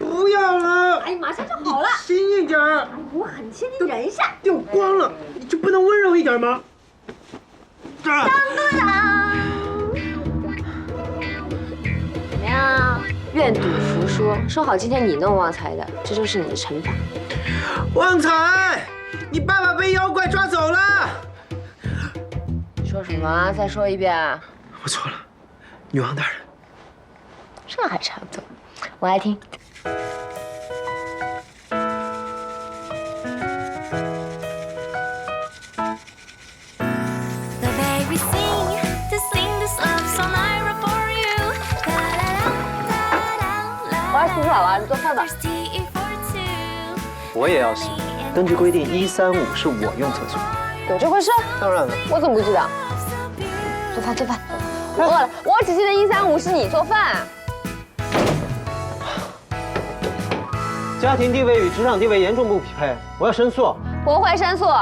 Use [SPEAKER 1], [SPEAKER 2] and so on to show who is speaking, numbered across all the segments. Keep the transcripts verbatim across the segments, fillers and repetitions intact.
[SPEAKER 1] 不要了！
[SPEAKER 2] 哎，马上就好了。
[SPEAKER 1] 轻一点儿。
[SPEAKER 2] 我很轻，你忍一下。
[SPEAKER 1] 掉光了，你就不能温柔一点吗？
[SPEAKER 2] 当当当！怎么样？愿赌服输，说好今天你弄旺财的，这就是你的惩罚。
[SPEAKER 1] 旺财，你爸爸被妖怪抓走了。
[SPEAKER 2] 你说什么？再说一遍。
[SPEAKER 1] 我错了，女王大人。
[SPEAKER 2] 这还差不多，我爱听。我要洗澡了，你做饭吧。
[SPEAKER 3] 我也要洗。根据规定，一三五是我用厕所。
[SPEAKER 2] 有这回事？
[SPEAKER 3] 当然了。
[SPEAKER 2] 我怎么不知道？做饭做饭，我饿了。我只记得一三五是你做饭。
[SPEAKER 3] 家庭地位与职场地位严重不匹配，我要申诉。
[SPEAKER 2] 不会申诉。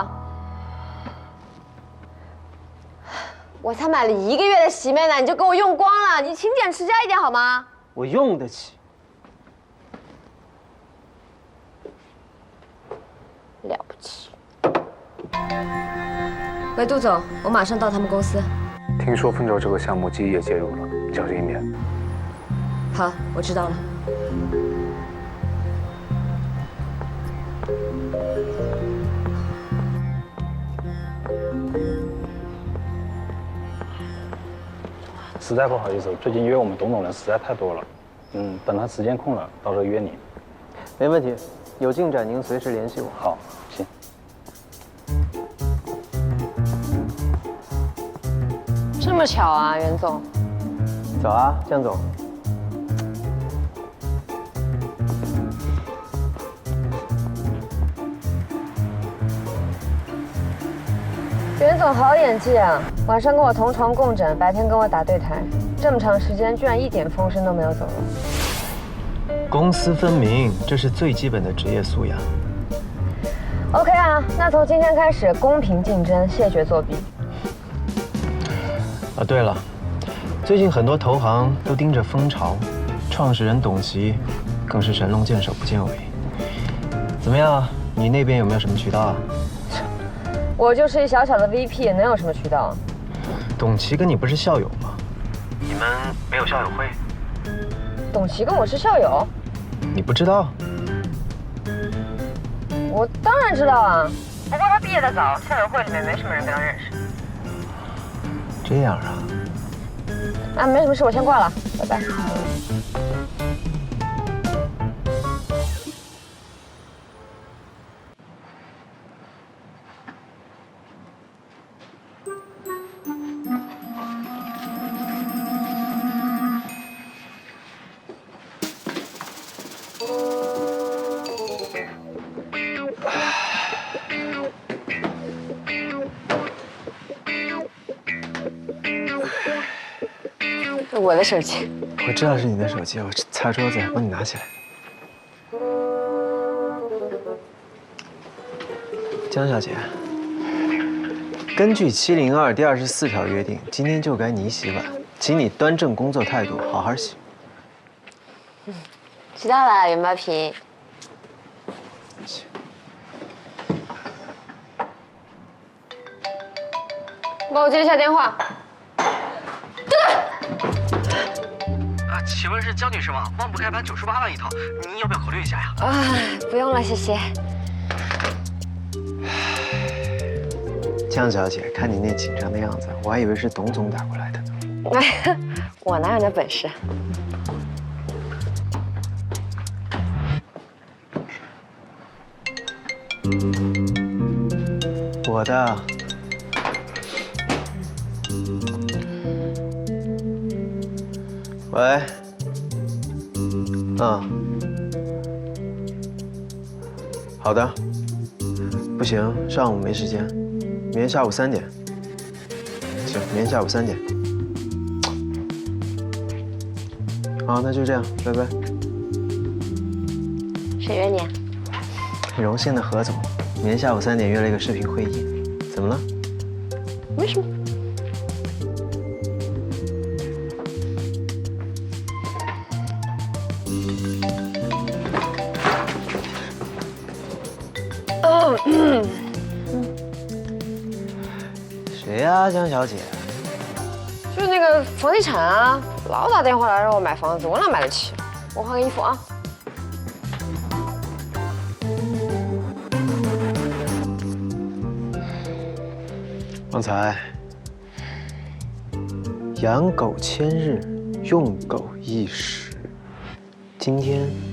[SPEAKER 2] 我才买了一个月的洗面奶，你就给我用光了，你勤俭持家一点好吗？
[SPEAKER 3] 我用得起。
[SPEAKER 2] 了不起。喂，杜总，我马上到他们公司。
[SPEAKER 4] 听说凤州这个项目基业介入了，小心一点。
[SPEAKER 2] 好，我知道了。
[SPEAKER 4] 实在不好意思，最近约我们董总人实在太多了。嗯，等他时间空了，到时候约你。
[SPEAKER 3] 没问题，有进展您随时联系我。
[SPEAKER 4] 好，行。
[SPEAKER 2] 这么巧啊，袁总。
[SPEAKER 3] 早啊，江总。
[SPEAKER 2] 袁总好演技啊！晚上跟我同床共枕，白天跟我打对台，这么长时间居然一点风声都没有走漏。
[SPEAKER 3] 公私分明，这是最基本的职业素养。
[SPEAKER 2] OK 啊，那从今天开始公平竞争，谢绝作弊。
[SPEAKER 3] 啊，对了，最近很多投行都盯着蜂巢，创始人董琦更是神龙见首不见尾。怎么样，你那边有没有什么渠道啊？
[SPEAKER 2] 我就是一小小的 V P， 能有什么渠道？
[SPEAKER 3] 董琦跟你不是校友吗？你们没有校友会？
[SPEAKER 2] 董琦跟我是校友？
[SPEAKER 3] 你不知道？
[SPEAKER 2] 我当然知道啊，不过他毕业的早，校友会里面没什么人跟他认识。
[SPEAKER 3] 这样啊？
[SPEAKER 2] 啊，没什么事，我先挂了，拜拜。我的手机，
[SPEAKER 3] 我知道是你的手机，我擦桌子，帮你拿起来。江小姐，根据七零二第二十四条约定，今天就该你洗碗，请你端正工作态度，好好洗。
[SPEAKER 2] 嗯，知道了，袁包皮。帮我接一下电话。
[SPEAKER 3] 啊，请问是江女士吗？万不开盘九十八万一套，您要不要考虑一下呀？
[SPEAKER 2] 啊，不用了，谢谢。
[SPEAKER 3] 江小姐，看你那紧张的样子，我还以为是董总打过来的呢。
[SPEAKER 2] 哎，我哪有那本事？
[SPEAKER 3] 我的。喂。嗯。好的。不行，上午没时间，明天下午三点。行，明天下午三点。好，那就这样，拜拜。
[SPEAKER 2] 谁约你啊？
[SPEAKER 3] 荣幸的何总，明天下午三点约了一个视频会议，怎么了？
[SPEAKER 2] 没什么。
[SPEAKER 3] 谁呀，江小姐？
[SPEAKER 2] 就是那个房地产啊，老打电话来让我买房子，我哪买得起？我换个衣服啊。
[SPEAKER 3] 旺财，养狗千日，用狗一时。今天